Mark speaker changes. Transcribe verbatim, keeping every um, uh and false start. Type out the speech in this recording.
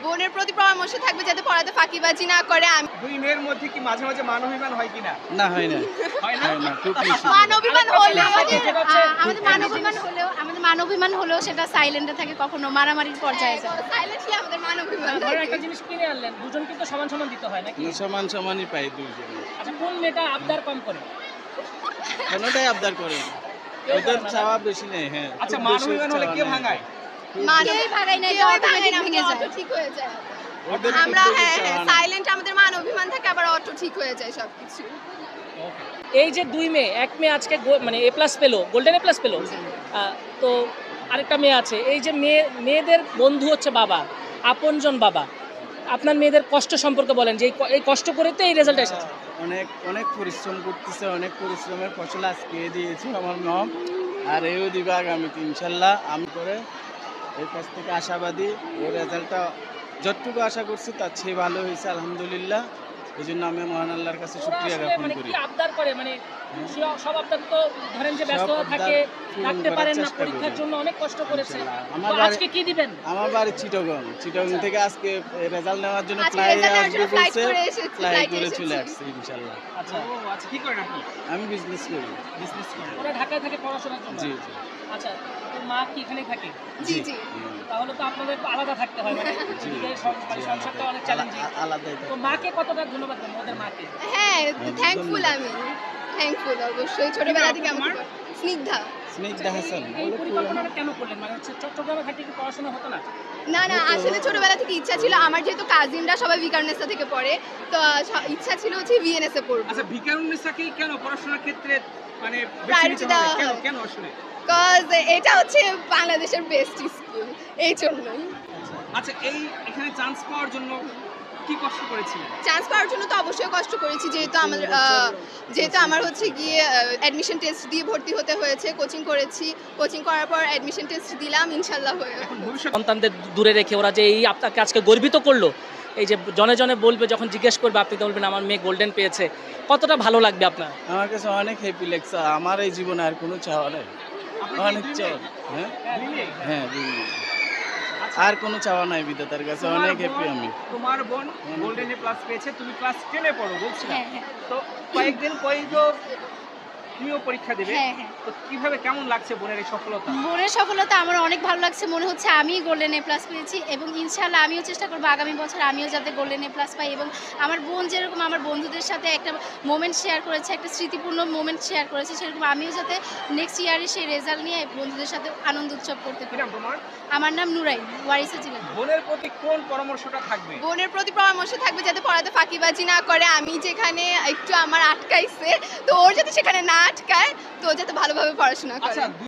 Speaker 1: বোনের প্রতি পরামর্শ থাকবে যাতে পড়াতে ফাঁকিবাজি না করে। আমি
Speaker 2: দুই মেয়ের মধ্যে কি মাঝে মাঝে মানবিমান হয় কিনা?
Speaker 3: না হয় না
Speaker 2: হয় না?
Speaker 3: হয় না খুব বেশি
Speaker 1: মানবিমান হলেও
Speaker 4: আমাদের মানবিমান হলেও আমাদের মানবিমান হলেও সেটা সাইলেন্টে থাকে, কখনো মারামারির পর্যায়ে যায়।
Speaker 1: সাইলেন্টলি আমাদের মানবিমান
Speaker 5: ধরেন
Speaker 1: থাকে।
Speaker 5: একটা জিনিস কিনে আনলেন, দুজন কিন্তু সমান সমান দিতে হয় নাকি?
Speaker 3: সমান সমানই পাই দুইজন।
Speaker 5: আচ্ছা, কোন মেয়েটা আবদার কম করে?
Speaker 3: কোনোটাই আবদার করে না। ওদের চাওয়া বেশি নেই। হ্যাঁ
Speaker 2: আচ্ছা,
Speaker 3: খুব বেশি
Speaker 2: মানবিমান হলে
Speaker 3: চাওয়া
Speaker 2: কে
Speaker 3: নেই।
Speaker 2: ভাঙায়?
Speaker 1: মানেই
Speaker 4: ভাগাই না,
Speaker 1: কেউ
Speaker 4: এটা
Speaker 1: ভাঙায় না,
Speaker 4: automatic ভেঙে
Speaker 1: আমাদের
Speaker 4: যায়।
Speaker 1: অটো ঠিক হয়ে যায়।
Speaker 3: ওদের
Speaker 1: আমরা
Speaker 3: খুব বেশি
Speaker 1: হ্যাঁ হ্যাঁ
Speaker 3: চাওয়া নেই।
Speaker 1: সাইলেন্ট আমাদের মান অভিমান থাকে, আবার অটো ঠিক হয়ে যায় সবকিছু।
Speaker 5: এই যে দুই মেয়ে, এক মেয়ে আজকে গো- মানে এ প্লাস পেলো, গোল্ডেন এ প্লাস পেলো, আহ, তো আরেকটা মেয়ে আছে। এই যে মেয়ে মেয়েদের বন্ধু হচ্ছে বাবা, আপনজন বাবা। আপনার মেয়েদের কষ্ট সম্পর্কে বলেন, যে এই ক- এই কষ্ট করে তো এই রেজাল্ট এসেছে।
Speaker 3: অনেক অনেক পরিশ্রম করতেছে, অনেক পরিশ্রমের ফসল আজকে দিয়েছে আমার মম, আর এও দিবে আগামীতে ইনশাল্লাহ। আমি করে এর কাছ থেকে আশাবাদী, ওর রেজাল্টটা যতটুকু আশা করছি তার চেয়ে ভালো হয়েছে আলহামদুলিল্লাহ। এই জন্য আমি মহান আল্লাহর কাছে
Speaker 5: ওরা
Speaker 3: শুকরিয়া
Speaker 5: আসলে
Speaker 3: জ্ঞাপন
Speaker 5: মানে
Speaker 3: করি।
Speaker 5: কি আবদার করে, মানে সব- সব আবদার তো ধরেন যে
Speaker 3: সব
Speaker 5: ব্যস্ত
Speaker 3: আবদার
Speaker 5: থাকে,
Speaker 3: পূরণ
Speaker 5: রাখতে
Speaker 3: করার
Speaker 5: পারেন না,
Speaker 3: চেষ্টা
Speaker 5: পরীক্ষার
Speaker 3: করি।
Speaker 5: জন্য অনেক কষ্ট করেছে।
Speaker 3: ইনশাল্লাহ। আমার
Speaker 5: তো
Speaker 3: বাড়ি-
Speaker 5: আজকে কি দিবেন?
Speaker 3: আমার বাড়ি চিটগং, চিটগং থেকে আজকে রেজাল্ট নেওয়ার জন্য
Speaker 1: আজকে
Speaker 3: ফ্লাইটে
Speaker 1: result নেওয়ার
Speaker 3: আসবে
Speaker 1: জন্য flight
Speaker 3: বলছে,
Speaker 1: করে এসেছি,
Speaker 3: ফ্লাই
Speaker 1: flight এ
Speaker 3: করে চলে
Speaker 1: এসেছি।
Speaker 3: আসছে ইনশাল্লাহ।
Speaker 5: আচ্ছা,
Speaker 2: ও আচ্ছা, কি করেন আপনি?
Speaker 3: আমি বিজনেস করি।
Speaker 2: বিজনেস করেন।
Speaker 5: ওরা ঢাকায় থাকে পড়াশোনার জন্য।
Speaker 3: জি জি
Speaker 5: আচ্ছা, তো মা কি এখানেই থাকে?
Speaker 1: জি জি
Speaker 3: হুম।
Speaker 5: তাহলে তো আপনাদের আলাদা থাকতে হয়, মানে
Speaker 3: জি,
Speaker 5: এদিকে সং- মানে
Speaker 3: জি,
Speaker 5: সংসারটা
Speaker 3: আলাদা-
Speaker 5: অনেক চ্যালেঞ্জিং।
Speaker 3: আলা- আলাদাই
Speaker 5: তো
Speaker 3: থাকে।
Speaker 5: মাকে কতটা ধন্যবাদ দেন, ওদের মাকে?
Speaker 1: হ্যাঁ
Speaker 3: হ্যাঁ,
Speaker 1: থ্যাঙ্কফুল,
Speaker 3: ধন্যবাদ।
Speaker 1: আমি থ্যাঙ্কফুল অবশ্যই। ছোটবেলা থেকে
Speaker 2: কি নাম
Speaker 1: আমাকে
Speaker 2: তোমার?
Speaker 1: স্নিগ্ধা।
Speaker 3: স্নিগ্ধা হাসান
Speaker 5: এই
Speaker 3: বলে
Speaker 5: পরিকল্পনাটা কেন করলেন? মানে হচ্ছে চট্টগ্রামে থাকলে কি পড়াশোনা হতো না?
Speaker 1: না না আসলে ছোটবেলা থেকে ইচ্ছা ছিল, আমার যেহেতু কাজিনরা সবাই বিকারনেসা থেকে পড়ে, তো আহ, ইচ্ছা ছিল হচ্ছে ভিএনএস এ পড়বো।
Speaker 2: আচ্ছা, ভিকারুন্নেসাকেই কেন পড়াশোনার ক্ষেত্রে মানে বেছে
Speaker 1: Priority
Speaker 2: নিতে
Speaker 1: দেওয়া
Speaker 2: হবে? কেন
Speaker 1: হয়।
Speaker 2: কেন আসলে?
Speaker 1: কজ এটা হচ্ছে বাংলাদেশের বেস্ট স্কুল, এই জন্যই।
Speaker 2: আচ্ছা, এই এখানে চান্স পাওয়ার জন্য কি কষ্ট করেছিলেন?
Speaker 1: চান্স পাওয়ার জন্য তো অবশ্যই কষ্ট করেছি, যেহেতু আমার আহ, যেহেতু আমার হচ্ছে গিয়ে অ্যাডমিশন টেস্ট দিয়ে ভর্তি হতে হয়েছে, কোচিং করেছি, কোচিং করার পর অ্যাডমিশন টেস্ট দিলাম, ইনশাল্লাহ হয়ে
Speaker 2: এখন ভবিষ্যৎ
Speaker 5: সন্তানদের দূরে রেখে ওরা যে এই আপনাকে আজকে গর্বিত করলো, এই যে জনে জনে বলবে, যখন জিজ্ঞেস করবে আপনি তো বলবেন আমার মেয়ে গোল্ডেন পেয়েছে, কতটা ভালো লাগবে আপনার?
Speaker 3: আমার কাছে অনেক হ্যাপি লাগছে। আমার এই জীবনে আর কোনো চাওয়া নেই,
Speaker 2: আপনার
Speaker 3: অনেক
Speaker 2: কি দুই
Speaker 3: চাওয়া।
Speaker 2: মেয়ে?
Speaker 3: হ্যাঁ
Speaker 2: দুই মেয়ে?
Speaker 3: হ্যাঁ দুই মিনিট।
Speaker 2: আচ্ছা,
Speaker 3: আর কোনো চাওয়া নাই বিধাতার কাছে,
Speaker 2: তোমার
Speaker 3: অনেক হ্যাপি
Speaker 2: বোন-
Speaker 3: আমি।
Speaker 2: তোমার বোন
Speaker 3: অনেক
Speaker 2: গোল্ডেন এ প্লাস পেয়েছে, তুমি ক্লাস টেনে পড়ো বলছিলাম।
Speaker 4: হ্যাঁ হ্যাঁ
Speaker 2: তো কয়েকদিন পরেই তো তুমিও পরীক্ষা দেবে।
Speaker 4: হ্যাঁ হ্যাঁ
Speaker 2: তো কিভাবে, কেমন লাগছে বোনের এই সফলতা?
Speaker 4: বোনের সফলতা আমার অনেক ভালো লাগছে। মনে হচ্ছে আমি গোল্ডেন এ প্লাস পেয়েছি, এবং ইনশাল্লাহ আমিও চেষ্টা করবো আগামী বছর আমিও যাতে গোল্ডেন এ প্লাস পাই, এবং আমার বোন যেরকম আমার বন্ধুদের সাথে একটা মোমেন্ট শেয়ার করেছে, একটা স্মৃতিপূর্ণ মোমেন্ট শেয়ার করেছে, সেরকম আমিও যাতে নেক্সট ইয়ারে সেই রেজাল্ট নিয়ে বন্ধুদের সাথে আনন্দ উৎসব করতে
Speaker 2: কি
Speaker 4: পারি।
Speaker 2: নাম তোমার?
Speaker 4: আমার নাম নুরাইন, ওয়ারিসা জেলা।
Speaker 2: বোনের প্রতি কোন পরামর্শটা থাকবে?
Speaker 1: বোনের প্রতি পরামর্শ থাকবে যাতে পড়াতে ফাঁকিবাজি না করে। আমি যেখানে একটু আমার আটকাইছে, তো ওর যাতে সেখানে না আটকায়, তো ও যাতে ভালোভাবে পড়াশোনা করে।
Speaker 2: আচ্ছা,